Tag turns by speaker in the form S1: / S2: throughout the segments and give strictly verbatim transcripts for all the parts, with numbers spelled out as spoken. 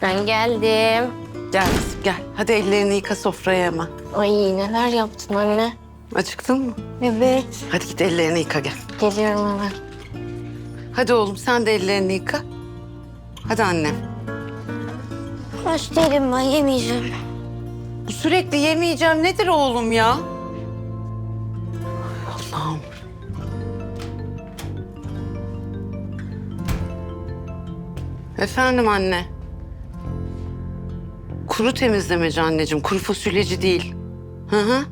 S1: Ben geldim.
S2: Gel kızım gel. Hadi ellerini yıka sofraya hemen.
S1: Ay neler yaptın anne?
S2: Acıktın mı?
S1: Evet.
S2: Hadi git ellerini yıka gel.
S1: Geliyorum hemen.
S2: Hadi oğlum sen de ellerini yıka. Hadi annem.
S1: Aç değilim ben yemeyeceğim.
S2: Bu sürekli yemeyeceğim nedir oğlum ya? Allah'ım. Efendim anne. Kuru temizlemeci anneciğim, kuru fasulyeci değil. Hı hı.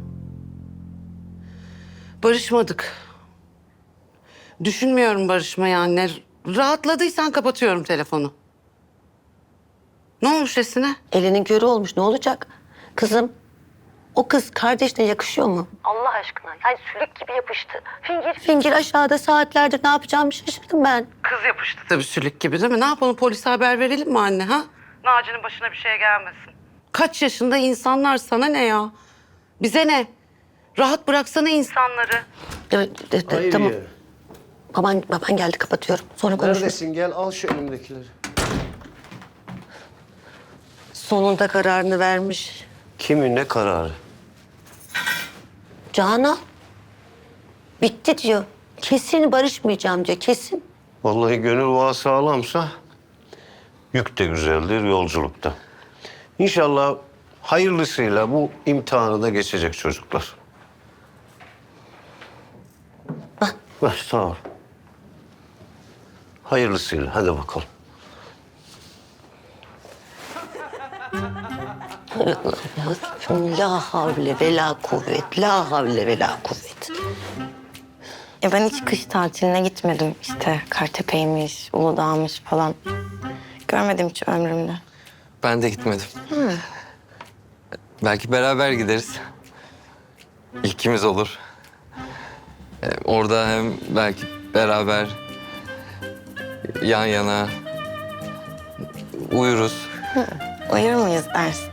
S2: Barışmadık. Düşünmüyorum barışmayı anne. Rahatladıysan kapatıyorum telefonu. Ne olmuş Esin'e?
S3: Elinin körü olmuş, ne olacak? Kızım, o kız kardeşine yakışıyor mu? Allah aşkına, yani sülük gibi yapıştı. Fingir fingir aşağıda saatlerdir ne yapacağımı şaşırdım ben.
S2: Kız yapıştı tabii sülük gibi değil mi? Ne yapalım, polise haber verelim mi anne ha? Naci'nin başına bir şey gelmesin. Kaç yaşında insanlar, sana ne ya? Bize ne? Rahat bıraksana insanları.
S3: Evet, evet, evet, tamam. Baban, baban geldi, kapatıyorum. Sonra konuşuruz.
S4: Neredesin? Gel al şu elimdekileri.
S3: Sonunda kararını vermiş.
S4: Kimin ne kararı?
S3: Canan, bitti diyor. Kesin barışmayacağım diyor, kesin.
S4: Vallahi gönül bağı sağlamsa yük de güzeldir yolculukta. İnşallah hayırlısıyla bu imtihanı da geçecek çocuklar.
S3: Bak.
S4: Ver, sağ ol. Hayırlısıyla hadi bakalım.
S3: La havle ve la kuvvet, la havle ve la kuvvet.
S1: Ya ben hiç kış tatiline gitmedim. İşte Kartepe'ymiş, Uludağ'mış falan. Görmedim hiç ömrümde.
S5: Ben de gitmedim. Belki beraber gideriz. İlkimiz olur. Ee, orada hem belki beraber yan yana uyuruz.
S1: Uyur muyuz dersin?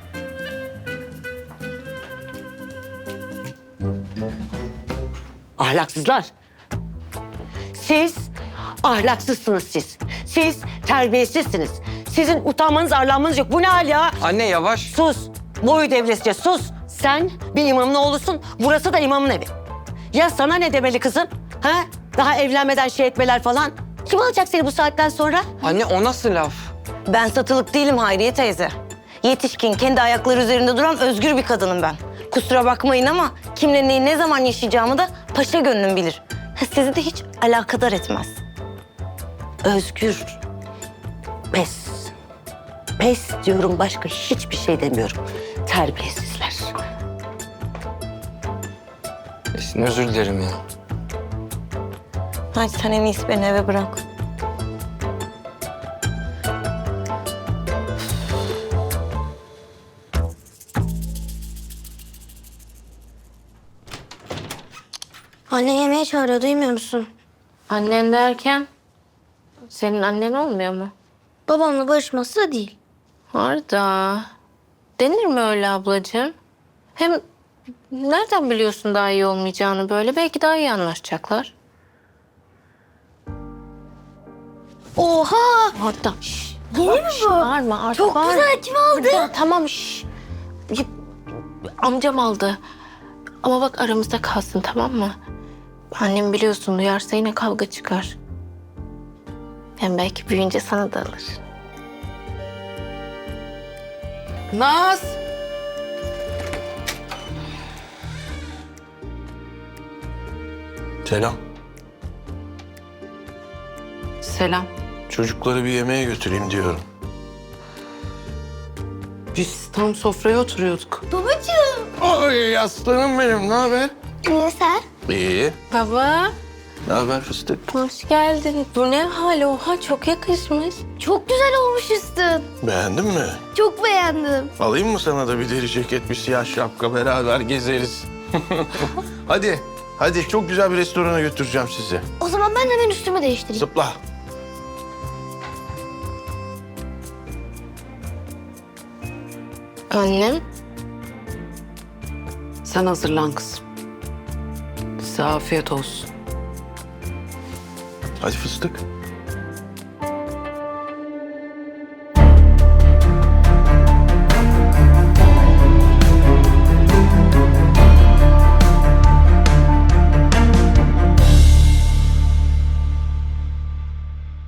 S3: Ahlaksızlar. Siz ahlaksızsınız siz. Siz terbiyesizsiniz. Sizin utanmanız, arlanmanız yok. Bu ne hal ya?
S5: Anne yavaş.
S3: Sus. Boyu devresce sus. Sen bir imamın oğlusun. Burası da imamın evi. Ya sana ne demeli kızım? Ha? Daha evlenmeden şey etmeler falan. Kim alacak seni bu saatten sonra?
S5: Anne o nasıl laf?
S6: Ben satılık değilim Hayriye teyze. Yetişkin, kendi ayakları üzerinde duran özgür bir kadınım ben. Kusura bakmayın ama kimle neyi ne zaman yaşayacağımı da paşa gönlüm bilir. Sizi de hiç alakadar etmez.
S3: Özgür. Pes. Pes diyorum, başka hiçbir şey demiyorum. Terbiyesizler.
S5: Esin özür dilerim ya.
S6: Hadi sen en iyisi beni eve bırak.
S1: Anne yemeğe çağırıyor, duymuyor musun? Annen derken? Senin annen olmuyor mu?
S7: Babamla barışması da değil.
S1: Arda. Denir mi öyle ablacığım? Hem nereden biliyorsun daha iyi olmayacağını böyle? Belki daha iyi anlaşacaklar.
S7: Oha!
S1: Arda. Şş,
S7: Yeni mi bu?
S1: Bağırma Arda.
S7: Çok
S1: bağırma.
S7: güzel, kim aldı?
S1: Ya, tamam şş. Ya, amcam aldı. Ama bak aramızda kalsın, tamam mı? Annem biliyorsun, duyarsa yine kavga çıkar. Hem belki büyüyünce sana da alır.
S2: Naz!
S8: Selam.
S2: Selam.
S8: Çocukları bir yemeğe götüreyim diyorum.
S2: Biz tam sofraya oturuyorduk.
S8: Ay aslanım benim, ne haber?
S7: İyi sen?
S8: İyi.
S1: Baba,
S8: Ne haber fıstık?
S1: hoş geldin. Bu ne hal? Oha, çok yakışmış.
S7: Çok güzel olmuş üstün.
S8: Beğendin mi?
S7: Çok beğendim.
S8: Alayım mı sana da bir deri ceket, bir siyah şapka, beraber gezeriz. Hadi, hadi çok güzel bir restorana götüreceğim sizi.
S7: O zaman ben hemen üstümü değiştireyim.
S8: Zıpla.
S1: Annem,
S2: Sen hazırlan kızım. Size afiyet olsun.
S8: Hadi fıstık.